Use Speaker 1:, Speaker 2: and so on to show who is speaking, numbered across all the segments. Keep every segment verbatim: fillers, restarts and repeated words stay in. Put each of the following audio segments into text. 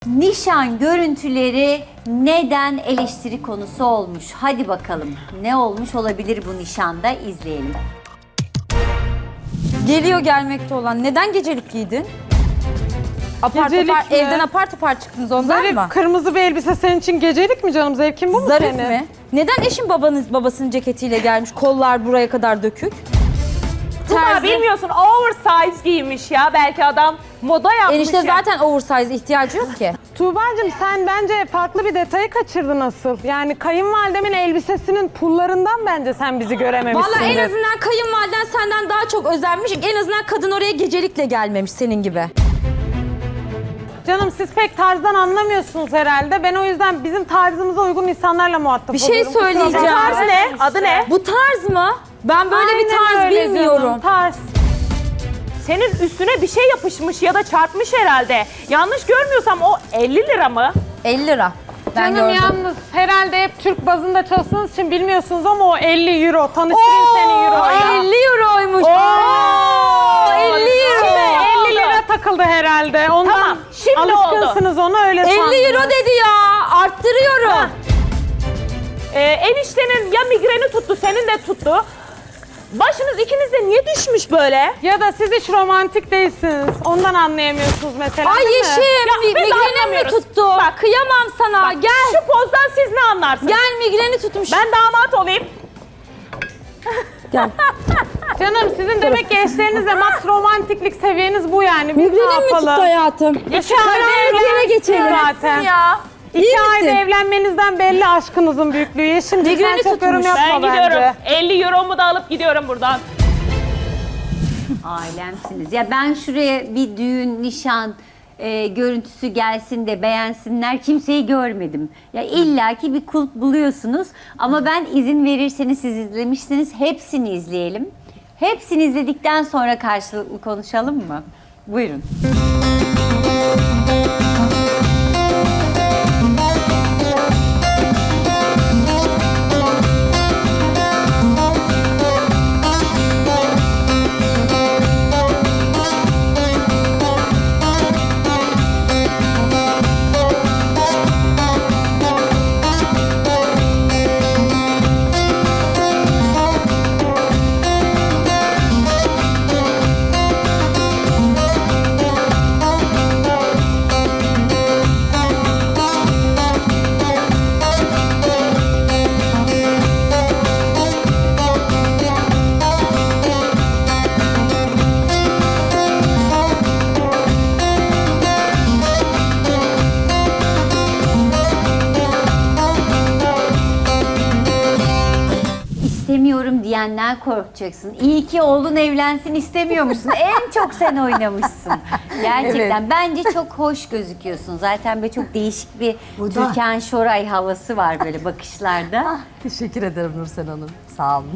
Speaker 1: Nişan görüntüleri neden eleştiri konusu olmuş? Hadi bakalım. Ne olmuş olabilir bu nişanda? İzleyelim.
Speaker 2: Geliyor gelmekte olan. Neden gecelik giydin? Apar
Speaker 3: Gecelik
Speaker 2: topar,
Speaker 3: mi?
Speaker 2: evden apar topar çıktınız ondan
Speaker 3: Zarif
Speaker 2: mı?
Speaker 3: kırmızı bir elbise senin için gecelik mi canım? Zevkin bu mu
Speaker 2: Zarif
Speaker 3: senin?
Speaker 2: mi? Neden eşin babanız babasının ceketiyle gelmiş? Kollar buraya kadar dökük.
Speaker 4: Tuba
Speaker 2: Terzi-
Speaker 4: bilmiyorsun oversize giymiş ya. Belki adam moda yapmış
Speaker 2: Enişte
Speaker 4: ya.
Speaker 2: zaten oversize ihtiyacı yok ki.
Speaker 3: Tuğba'cığım sen bence farklı bir detayı kaçırdın asıl. Yani kayınvalidemin elbisesinin pullarından bence sen bizi görememişsindir.
Speaker 2: Vallahi en azından kayınvaliden senden daha çok özenmiş. En azından kadın oraya gecelikle gelmemiş senin gibi.
Speaker 3: Canım siz pek tarzdan anlamıyorsunuz herhalde. Ben o yüzden bizim tarzımıza uygun insanlarla muhatap
Speaker 2: Bir şey
Speaker 3: oluyorum. Kusura
Speaker 2: söyleyeceğim.
Speaker 3: bakma.
Speaker 4: Tarz ne? Adı ne?
Speaker 2: Bu tarz mı? Ben böyle bir
Speaker 3: Aynen
Speaker 2: tarz
Speaker 3: öyle
Speaker 2: bilmiyorum.
Speaker 3: canım, tarz.
Speaker 4: Senin üstüne bir şey yapışmış ya da çarpmış herhalde. Yanlış görmüyorsam o elli lira mı?
Speaker 2: elli lira. Ben
Speaker 3: Canım
Speaker 2: gördüm.
Speaker 3: yalnız herhalde hep Türk bazında çalıştığınız için bilmiyorsunuz ama o elli euro. Tanıştırayım seni euroya.
Speaker 2: elli euroymuş.
Speaker 4: Oo,
Speaker 2: elli euro.
Speaker 4: Şimdi
Speaker 3: elli lira takıldı herhalde. Ondan
Speaker 4: Tamam, şimdi
Speaker 3: alışkınsınız ona öyle sandınız.
Speaker 2: elli euro dedi ya. Arttırıyorum.
Speaker 4: Ha. Ee, eniştenin ya migreni tuttu, senin de tuttu. Başınız ikiniz de niye düşmüş böyle?
Speaker 3: Ya da siz hiç romantik değilsiniz. Ondan anlayamıyorsunuz mesela
Speaker 2: Ay
Speaker 3: değil mi?
Speaker 2: Yeşim, mi-
Speaker 4: biz
Speaker 2: migrenim mi
Speaker 4: anlamıyoruz.
Speaker 2: tuttu?
Speaker 4: Bak.
Speaker 2: Kıyamam sana.
Speaker 4: Bak,
Speaker 2: Gel.
Speaker 4: Şu pozdan siz ne anlarsınız?
Speaker 2: Gel migreni tutmuş.
Speaker 4: Ben damat olayım.
Speaker 2: Gel.
Speaker 3: Canım sizin demek ki eşlerinizle max romantiklik seviyeniz bu yani. Biz ne
Speaker 2: Migrenim mi tuttu
Speaker 3: yapalım?
Speaker 2: hayatım?
Speaker 3: İki ayda
Speaker 2: Karanlık yere geçelim.
Speaker 3: zaten.
Speaker 4: Ya.
Speaker 3: İki
Speaker 2: İyi
Speaker 3: ayda
Speaker 2: misin?
Speaker 3: evlenmenizden belli aşkınızın büyüklüğü. Yeşimciğim sen
Speaker 2: Migreni
Speaker 3: çok yorum
Speaker 2: tutmuş.
Speaker 3: yapma
Speaker 4: Ben gidiyorum.
Speaker 3: bence.
Speaker 4: elli euromu da alıp gidiyorum buradan.
Speaker 1: Ailemsiniz. Ya ben şuraya bir düğün, nişan e, görüntüsü gelsin de beğensinler. Kimseyi görmedim. Ya illaki bir kulp buluyorsunuz. Ama ben izin verirseniz siz izlemişsiniz. Hepsini izleyelim. Hepsini izledikten sonra karşılıklı konuşalım mı? Buyurun. İstemiyorum diyenler korkacaksın. İyi ki oğlun evlensin istemiyor musun? En çok sen oynamışsın. Gerçekten. Bence çok hoş gözüküyorsun. Zaten böyle çok değişik bir Türkan Şoray havası var böyle bakışlarda.
Speaker 5: Teşekkür ederim Nursel Hanım. Sağ olun.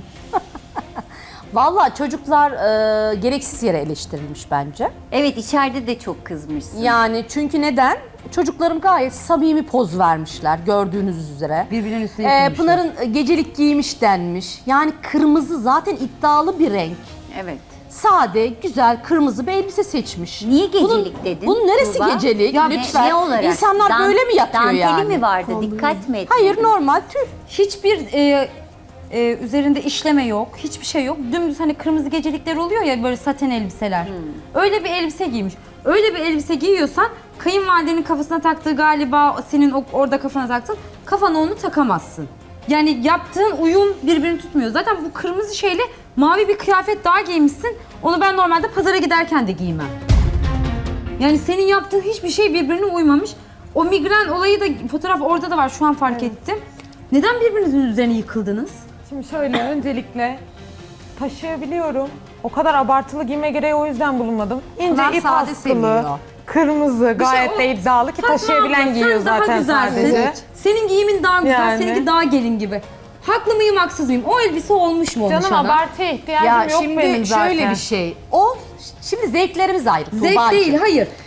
Speaker 5: Vallahi çocuklar e, gereksiz yere eleştirilmiş bence.
Speaker 1: Evet, içeride de çok kızmışsın.
Speaker 5: Yani çünkü neden? Çocuklarım gayet samimi poz vermişler gördüğünüz üzere.
Speaker 2: Birbirinin üstüne
Speaker 5: Ee,
Speaker 2: yıkılmışlar.
Speaker 5: Pınar'ın gecelik giymiş denmiş. Yani kırmızı zaten iddialı bir renk.
Speaker 1: Evet.
Speaker 5: Sade, güzel, kırmızı bir elbise seçmiş.
Speaker 1: Niye gecelik
Speaker 5: bunun,
Speaker 1: dedin?
Speaker 5: Bunun neresi
Speaker 1: Tuğba?
Speaker 5: gecelik?
Speaker 1: Ya ne-
Speaker 5: Lütfen.
Speaker 1: Ne, olarak?
Speaker 5: İnsanlar
Speaker 1: Dan-
Speaker 5: böyle mi yatıyor
Speaker 1: danteli
Speaker 5: yani?
Speaker 1: mi vardı? Dikkat mi etmedin?
Speaker 5: Hayır, normal tül.
Speaker 2: Hiçbir e, e, üzerinde işleme yok. Hiçbir şey yok. Dümdüz hani kırmızı gecelikler oluyor ya böyle saten elbiseler. Öyle bir elbise giymiş. Öyle bir elbise giyiyorsan kayınvalidenin kafasına taktığı galiba senin o- orada kafana taktın. Kafana onu takamazsın. Yani yaptığın uyum birbirini tutmuyor. Zaten bu kırmızı şeyle mavi bir kıyafet daha giymişsin. Onu ben normalde pazara giderken de giymem. Yani senin yaptığın hiçbir şey birbirine uymamış. O migren olayı da fotoğraf orada da var şu an fark ettim. Neden birbirinizin üzerine yıkıldınız?
Speaker 3: Şimdi şöyle öncelikle taşıyabiliyorum. O kadar abartılı giyme gereği o yüzden bulunmadım. İnce
Speaker 5: Pınar
Speaker 3: ip
Speaker 5: sade
Speaker 3: askılı,
Speaker 5: seviyor.
Speaker 3: kırmızı gayet
Speaker 2: o-
Speaker 3: de iddialı ki
Speaker 2: Fatma
Speaker 3: taşıyabilen
Speaker 2: abla,
Speaker 3: giyiyor
Speaker 2: sen daha
Speaker 3: zaten
Speaker 2: güzelsin.
Speaker 3: sadece.
Speaker 2: Senin giyimin daha güzel,
Speaker 3: Yani.
Speaker 2: seninki daha gelin gibi. Haklı mıyım, haksız mıyım? O elbise olmuş mu olmuş
Speaker 3: Canım
Speaker 2: ana?
Speaker 3: abartıya ihtiyacım
Speaker 5: Ya
Speaker 3: yok
Speaker 5: şimdi
Speaker 3: benim zaten.
Speaker 5: şöyle bir şey. O şimdi zevklerimiz ayrı.
Speaker 2: Zevk
Speaker 5: Tuğbacığım.
Speaker 2: değil, hayır.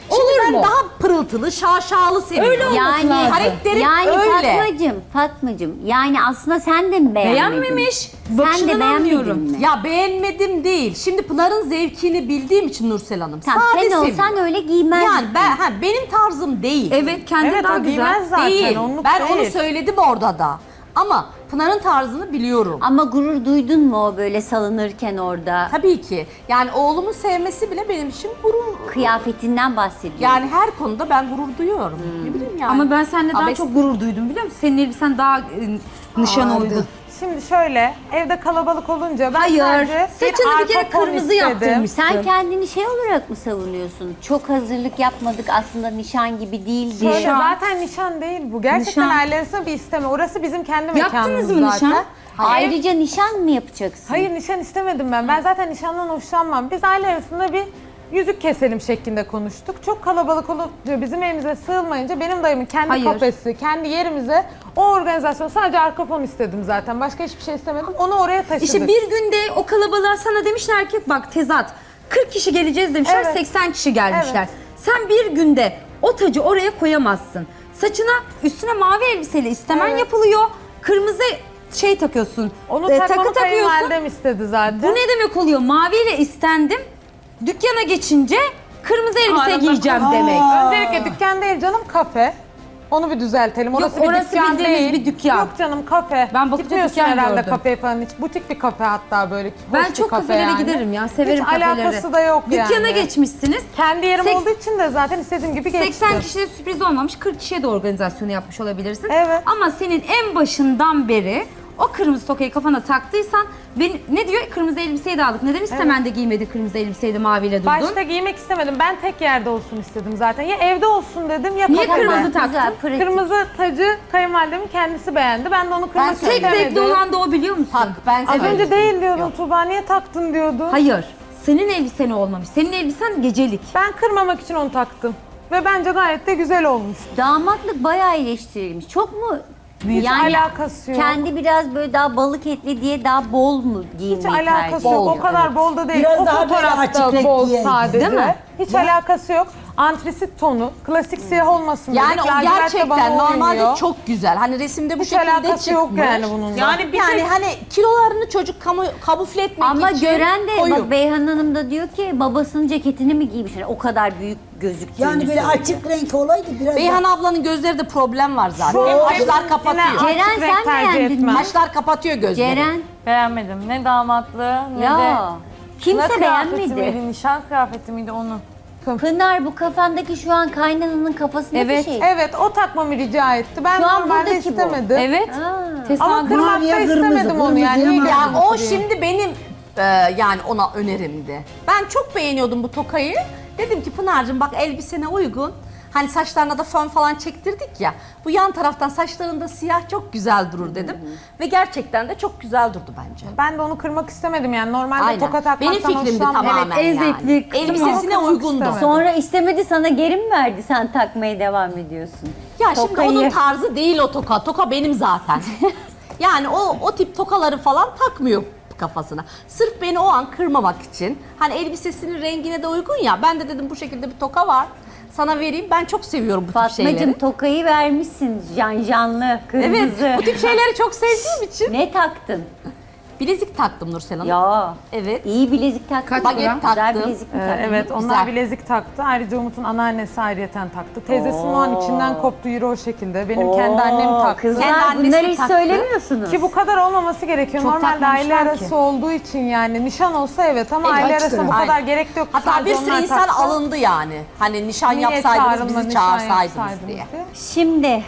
Speaker 5: Şimdi
Speaker 2: Olur
Speaker 5: ben
Speaker 2: mu?
Speaker 5: daha pırıltılı, şaşalı seviyorum.
Speaker 2: Öyle olması
Speaker 1: Yani
Speaker 2: lazım.
Speaker 5: Karakterim
Speaker 1: yani
Speaker 5: öyle.
Speaker 1: Fatmacığım, Fatmacığım. Yani aslında sen de mi beğenmedin?
Speaker 2: Beğenmemiş.
Speaker 1: Sen de
Speaker 2: Bakışından
Speaker 1: beğenmedin
Speaker 2: anlıyorum.
Speaker 1: mi?
Speaker 5: Ya beğenmedim değil. Şimdi Pınar'ın zevkini bildiğim için Nursel Hanım.
Speaker 1: Tamam,
Speaker 5: Sade
Speaker 1: sen olsan
Speaker 5: seviyorum.
Speaker 1: öyle giymezdin.
Speaker 5: Yani ben, ha, benim tarzım değil.
Speaker 2: Evet kendin
Speaker 3: Evet
Speaker 2: daha
Speaker 3: o
Speaker 2: güzel.
Speaker 3: giymez zaten.
Speaker 5: Değil.
Speaker 3: Onluk
Speaker 5: Ben
Speaker 3: değil.
Speaker 5: onu söyledim orada da. Ama Pınar'ın tarzını biliyorum.
Speaker 1: Ama gurur duydun mu o böyle salınırken orada?
Speaker 5: Tabii ki. Yani oğlumun sevmesi bile benim için gurur.
Speaker 1: Kıyafetinden bahsediyorum.
Speaker 5: Yani her konuda ben gurur duyuyorum. Ne bileyim yani.
Speaker 2: Ama ben seninle daha
Speaker 5: Abes-
Speaker 2: çok gurur duydum biliyor musun? Senin elbisen daha e, nişana
Speaker 6: Ağırdı.
Speaker 2: uygun.
Speaker 3: Şimdi şöyle, evde kalabalık olunca ben
Speaker 2: Hayır.
Speaker 3: sadece
Speaker 2: Saçını bir kere
Speaker 3: arka fon
Speaker 2: kırmızı
Speaker 3: istedim.
Speaker 2: yaptırmışsın.
Speaker 1: Sen kendini şey olarak mı savunuyorsun? Çok hazırlık yapmadık, aslında nişan gibi değildi.
Speaker 3: Şöyle,
Speaker 2: Nişan.
Speaker 3: zaten nişan değil bu. Gerçekten
Speaker 2: Nişan.
Speaker 3: ailesine bir isteme. Orası bizim kendi
Speaker 2: Yaptınız
Speaker 3: mekanımız
Speaker 2: mı
Speaker 3: zaten.
Speaker 2: nişan?
Speaker 1: Ayrıca nişan mı yapacaksın?
Speaker 3: Hayır nişan istemedim ben. Ben zaten nişandan hoşlanmam. Biz aile arasında bir yüzük keselim şeklinde konuştuk. Çok kalabalık olunca bizim evimize sığılmayınca benim dayımın kendi
Speaker 2: Hayır.
Speaker 3: kafesi, kendi yerimize o organizasyon sadece arka fon istedim zaten. Başka hiçbir şey istemedim. Onu oraya taşıdık.
Speaker 2: İşte bir günde o kalabalığa sana demişler ki bak tezat kırk kişi geleceğiz demişler,
Speaker 3: Evet.
Speaker 2: seksen kişi gelmişler.
Speaker 3: Evet.
Speaker 2: Sen bir günde o tacı oraya koyamazsın. Saçına üstüne mavi elbiseyle istemen
Speaker 3: Evet.
Speaker 2: yapılıyor. Kırmızı şey takıyorsun.
Speaker 3: Onu
Speaker 2: e,
Speaker 3: takmamı
Speaker 2: takı takıyorsun.
Speaker 3: kayınvalidem istedi zaten.
Speaker 2: Bu ne demek oluyor? Maviyle istendim. Dükkana geçince kırmızı elbise
Speaker 3: Arada
Speaker 2: giyeceğim
Speaker 3: kız-
Speaker 2: demek.
Speaker 3: Öncelikle dükkan değil canım, kafe. Onu bir düzeltelim. Orası
Speaker 2: Yok,
Speaker 3: bir
Speaker 2: orası
Speaker 3: dükkan
Speaker 2: bildiğimiz
Speaker 3: değil.
Speaker 2: bir dükkan.
Speaker 3: Yok canım, kafe.
Speaker 2: Ben bakınca
Speaker 3: Gitmiyorsun
Speaker 2: dükkan
Speaker 3: herhalde
Speaker 2: gördüm.
Speaker 3: kafeye falan hiç. Butik bir kafe hatta böyle. Hoş
Speaker 2: Ben
Speaker 3: bir
Speaker 2: çok
Speaker 3: kafe
Speaker 2: kafelere
Speaker 3: yani.
Speaker 2: giderim ya. Severim
Speaker 3: Hiç
Speaker 2: kafeleri.
Speaker 3: alakası da yok yani.
Speaker 2: Dükkana geçmişsiniz.
Speaker 3: Kendi yerim
Speaker 2: Seks-
Speaker 3: olduğu için de zaten istediğim gibi geçti.
Speaker 2: seksen kişiye sürpriz olmamış, kırk kişiye de organizasyonu yapmış olabilirsin.
Speaker 3: Evet.
Speaker 2: Ama senin en başından beri o kırmızı tokayı kafana taktıysan, ben, ne diyor? Kırmızı elbiseyi de aldık. Neden istemen de giymedi kırmızı elbiseyi de maviyle durdun?
Speaker 3: Başta giymek istemedim. Ben tek yerde olsun istedim zaten. Ya evde olsun dedim ya
Speaker 2: Niye
Speaker 3: kafede.
Speaker 2: kırmızı taktın?
Speaker 1: Güzel, pratik.
Speaker 3: Kırmızı tacı kayınvalidemin kendisi beğendi. Ben de onu kırmak
Speaker 5: Ben
Speaker 2: Tek
Speaker 3: istemedim.
Speaker 2: zevkli olan da o, biliyor musun?
Speaker 5: Bak ben
Speaker 3: Az
Speaker 5: severim.
Speaker 3: önce değil diyordun Tuğba. Niye taktın diyordun.
Speaker 2: Hayır. Senin elbisen olmamış. Senin elbisen gecelik.
Speaker 3: Ben kırmamak için onu taktım. Ve bence gayet de güzel olmuş.
Speaker 1: Damatlık bayağı eleştirilmiş. Çok mu?
Speaker 3: Hiç alakası yok.
Speaker 1: Kendi biraz böyle daha balık etli diye daha bol mu giyinmeyi
Speaker 3: Hiç alakası
Speaker 1: tercih
Speaker 3: yok.
Speaker 1: ediyor?
Speaker 3: O kadar bol da değil.
Speaker 6: Biraz
Speaker 3: o
Speaker 6: daha böyle
Speaker 3: fotoğrafta
Speaker 6: açık
Speaker 3: bol
Speaker 6: renkli
Speaker 3: sadece.
Speaker 2: değil mi?
Speaker 3: Hiç alakası yok. Antrasit tonu, klasik siyah olmasın
Speaker 5: Yani
Speaker 3: dedik.
Speaker 5: o
Speaker 3: Lacivert de
Speaker 5: gerçekten
Speaker 3: bana
Speaker 5: normalde
Speaker 3: uymuyor.
Speaker 5: çok güzel. Hani resimde bu
Speaker 3: Hiç
Speaker 5: şekilde
Speaker 3: alakası
Speaker 5: çıkmış.
Speaker 3: yok yani bununla.
Speaker 4: Yani bir
Speaker 5: Yani
Speaker 4: tek
Speaker 5: hani kilolarını çocuk kamu, kamufle etmek
Speaker 1: Ama
Speaker 5: için
Speaker 1: gören de
Speaker 5: koyu.
Speaker 1: bak Beyhan Hanım da diyor ki babasının ceketini mi giymiş? Yani o kadar büyük gözüktüğünü
Speaker 6: Yani böyle
Speaker 1: söylüyor.
Speaker 6: açık renk olaydı biraz
Speaker 5: Beyhan
Speaker 6: daha-
Speaker 5: ablanın gözleri de problem var zaten.
Speaker 3: Çok-
Speaker 5: Kaşlar kapatıyor.
Speaker 3: Yine
Speaker 1: Ceren,
Speaker 3: açık renk
Speaker 1: sen
Speaker 3: tercih
Speaker 1: beğendin
Speaker 3: etmem.
Speaker 1: mi?
Speaker 5: Kaşlar kapatıyor gözleri.
Speaker 1: Ceren
Speaker 7: Beğenmedim. Ne damatlığı ne de
Speaker 1: ya kimse
Speaker 7: kına kıyafeti
Speaker 1: beğenmedi.
Speaker 7: miydi, nişan kıyafeti miydi onu.
Speaker 1: Pınar, bu kafandaki şu an kaynananın kafasındaki
Speaker 2: Evet.
Speaker 1: şey.
Speaker 3: Evet, o takmamı rica etti. Ben
Speaker 1: Şu an
Speaker 3: normalde
Speaker 1: buradaki bu.
Speaker 3: istemedim.
Speaker 2: Evet.
Speaker 1: Aa.
Speaker 3: Ama
Speaker 2: Tesadüf.
Speaker 3: kırmak da
Speaker 6: Maviye kırmızı,
Speaker 3: istemedim onu yani.
Speaker 6: kırmızıya
Speaker 3: Niye
Speaker 6: mavi.
Speaker 5: Ya o
Speaker 6: Buraya.
Speaker 5: şimdi benim e, yani ona önerimdi. Ben çok beğeniyordum bu tokayı. Dedim ki Pınar'cığım bak elbisene uygun. Hani saçlarına da fön falan çektirdik ya. Bu yan taraftan saçlarında siyah çok güzel durur dedim. Ve gerçekten de çok güzel durdu bence.
Speaker 3: Ben de onu kırmak istemedim yani. Normalde
Speaker 5: Aynen.
Speaker 3: toka takmaktan
Speaker 5: Benim fikrimdi
Speaker 3: hoşlanmam.
Speaker 5: tamamen
Speaker 2: Evet, en
Speaker 5: yani.
Speaker 2: zevkli kısmı
Speaker 5: Elbisesine
Speaker 3: o.
Speaker 5: uygundu.
Speaker 3: İstemedim.
Speaker 1: Sonra istemedi, sana geri mi verdi? Sen takmaya devam ediyorsun.
Speaker 5: Ya şimdi
Speaker 1: Tokayı.
Speaker 5: onun tarzı değil o toka. Toka benim zaten. Yani o o tip tokaları falan takmıyor kafasına. Sırf beni o an kırmamak için. Hani elbisesinin rengine de uygun ya. Ben de dedim bu şekilde bir toka var. Sana vereyim. Ben çok seviyorum bu tip şeyleri.
Speaker 1: Fatmacığım, tokayı vermişsin can canlı, kırmızı.
Speaker 5: Evet, bu tip şeyleri çok sevdiğim için.
Speaker 1: Ne taktın?
Speaker 5: Bilezik taktım Nursel Hanım.
Speaker 1: Ya
Speaker 5: Evet.
Speaker 1: iyi bilezik taktın.
Speaker 2: Kaç
Speaker 5: Baget
Speaker 2: lira?
Speaker 1: Güzel
Speaker 5: taktım.
Speaker 1: bilezik mi
Speaker 3: Ee,
Speaker 1: taktın?
Speaker 3: evet, onlar
Speaker 5: Güzel.
Speaker 3: bilezik taktı. Ayrıca Umut'un anneannesi ayrıyeten taktı. Teyzesinin o an içinden koptu, yürü o şekilde. Benim kendi annem
Speaker 1: Oo,
Speaker 3: taktı.
Speaker 1: Kızlar,
Speaker 5: Kendi annesi
Speaker 1: bunları hiç
Speaker 5: taktı.
Speaker 1: söylemiyorsunuz.
Speaker 3: Ki bu kadar olmaması gerekiyor.
Speaker 2: Çok
Speaker 3: Normalde aile
Speaker 2: takmamışlar
Speaker 3: arası
Speaker 2: ki.
Speaker 3: olduğu için yani. Nişan olsa evet ama
Speaker 5: Evet,
Speaker 3: aile
Speaker 6: kaç
Speaker 3: arasında bu
Speaker 6: lira?
Speaker 3: kadar
Speaker 5: Aynen.
Speaker 3: gerek yok.
Speaker 5: Hatta
Speaker 3: Sadece
Speaker 5: bir sürü
Speaker 3: onlar
Speaker 5: insan
Speaker 3: taksa.
Speaker 5: alındı yani. Hani nişan
Speaker 3: Niye
Speaker 5: yapsaydınız
Speaker 3: çağrılma,
Speaker 5: bizi
Speaker 3: nişan
Speaker 5: çağırsaydınız
Speaker 3: yapsaydınız
Speaker 5: diye.
Speaker 1: Şimdi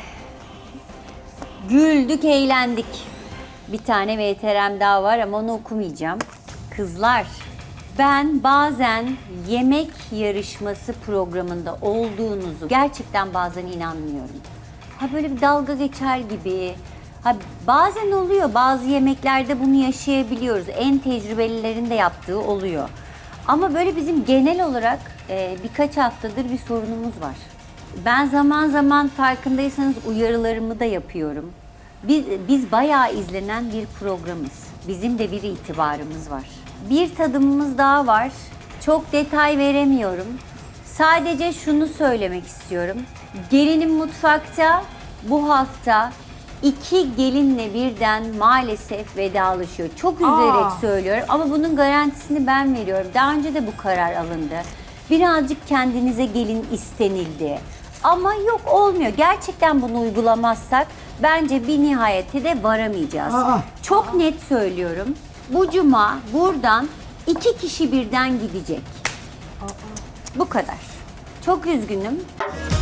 Speaker 1: güldük, eğlendik. Bir tane V T R'm daha var ama onu okumayacağım. Kızlar, ben bazen yemek yarışması programında olduğunuzu gerçekten bazen inanmıyorum. Ha böyle bir dalga geçer gibi. Ha bazen oluyor, bazı yemeklerde bunu yaşayabiliyoruz. En tecrübelilerin de yaptığı oluyor. Ama böyle bizim genel olarak e, birkaç haftadır bir sorunumuz var. Ben zaman zaman farkındaysanız uyarılarımı da yapıyorum. Biz, biz bayağı izlenen bir programız. Bizim de bir itibarımız var. Bir tadımımız daha var. Çok detay veremiyorum. Sadece şunu söylemek istiyorum. Gelinim mutfakta bu hafta iki gelinle birden maalesef vedalaşıyor. Çok üzülerek söylüyorum ama bunun garantisini ben veriyorum. Daha önce de bu karar alındı. Birazcık kendinize gelin istenildi. Ama yok olmuyor. Gerçekten bunu uygulamazsak bence bir nihayete de varamayacağız.
Speaker 6: Aa.
Speaker 1: Çok net söylüyorum. Bu cuma buradan iki kişi birden gidecek. Bu kadar. Çok üzgünüm.